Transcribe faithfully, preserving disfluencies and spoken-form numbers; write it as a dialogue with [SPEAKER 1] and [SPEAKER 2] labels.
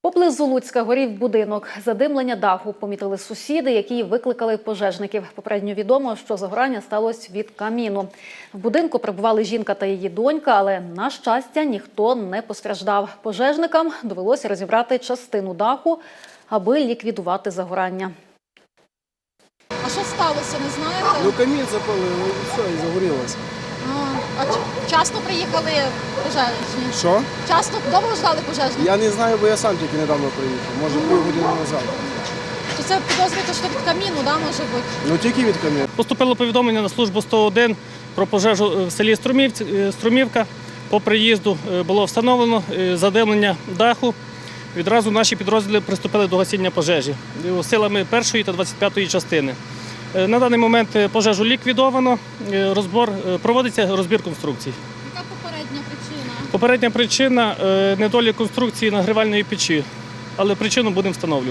[SPEAKER 1] Поблизу Луцька горів будинок. Задимлення даху помітили сусіди, які викликали пожежників. Попередньо відомо, що загорання сталося від каміну. В будинку перебували жінка та її донька, але, на щастя, ніхто не постраждав. Пожежникам довелося розібрати частину даху, аби ліквідувати загорання.
[SPEAKER 2] А що сталося, не знаєте?
[SPEAKER 3] Ну камін запалили, і все, і загорілося.
[SPEAKER 2] А, а ч- часто приїхали пожежні?
[SPEAKER 3] Що?
[SPEAKER 2] Часто довго ждали пожежні?
[SPEAKER 3] Я не знаю, бо я сам тільки недавно приїхав. Може, півгодини назад.
[SPEAKER 2] Чи це підозрюєте, що від каміну, да, може бути?
[SPEAKER 3] Ну тільки від камін.
[SPEAKER 4] Поступило повідомлення на службу сто один про пожежу в селі Струмівці- Струмівка. По приїзду було встановлено задимлення даху. Відразу наші підрозділи приступили до гасіння пожежі силами першої та двадцять п'ятої частини. На даний момент пожежу ліквідовано, розбор, проводиться розбір конструкцій.
[SPEAKER 2] Яка попередня причина?
[SPEAKER 4] Попередня причина – недолік конструкції нагрівальної печі, але причину будемо встановлювати.